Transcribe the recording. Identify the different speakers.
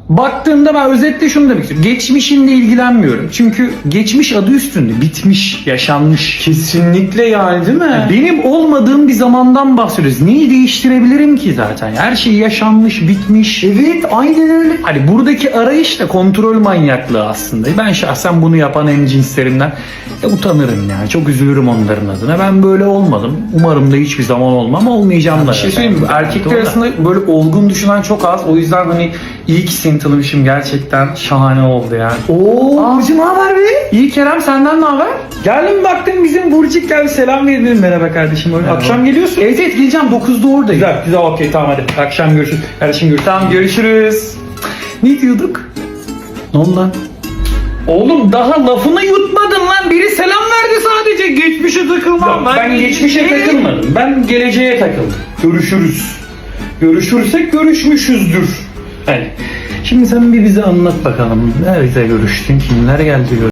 Speaker 1: Baktığımda ben özetle şunu demek istiyorum. Geçmişinle ilgilenmiyorum. Çünkü geçmiş adı üstünde. Bitmiş, yaşanmış.
Speaker 2: Kesinlikle yani, değil mi?
Speaker 1: Benim olmadığım bir zamandan bahsediyoruz. Neyi değiştirebilirim ki zaten? Her şey yaşanmış, bitmiş.
Speaker 2: Evet, aynen öyle.
Speaker 1: Hani buradaki arayış da kontrol manyaklığı aslında. Ben şahsen bunu yapan hemcinslerimden utanırım yani. Çok üzülürüm onların adına. Ben böyle olmadım. Umarım da hiçbir zaman olmam. Olmayacağım da.
Speaker 2: Bir şey söyleyeyim mi? Erkekler
Speaker 1: Doğru.
Speaker 2: arasında böyle olgun düşünen çok az. O yüzden hani iyi ki seni tanımışım. Gerçekten şahane oldu yani.
Speaker 1: Oo,
Speaker 2: Burcu ne haber be? İyi Kerem, senden ne haber?
Speaker 1: geldim baktım bizim Burcuk geldi, selam verelim. Merhaba kardeşim. Öyle.
Speaker 2: Akşam geliyorsun.
Speaker 1: Evet geleceğim, 9'da oradayım.
Speaker 2: Güzel, güzel, okey, tamam hadi.
Speaker 1: Akşam görüşürüz. Kardeşim görüşürüz.
Speaker 2: Tamam, görüşürüz.
Speaker 1: Ne diyorduk? Ne oldu lan? Oğlum daha lafını yutmadın lan. Biri selam verdi sadece. Geçmişe takılmam.
Speaker 2: Yok, ben geçmişe takılmadım. Ben geleceğe takıldım. Görüşürüz.
Speaker 1: Görüşürsek görüşmüşüzdür.
Speaker 2: Hani
Speaker 1: Şimdi sen bir bize anlat bakalım. Nerede görüştün? Kimler geldi?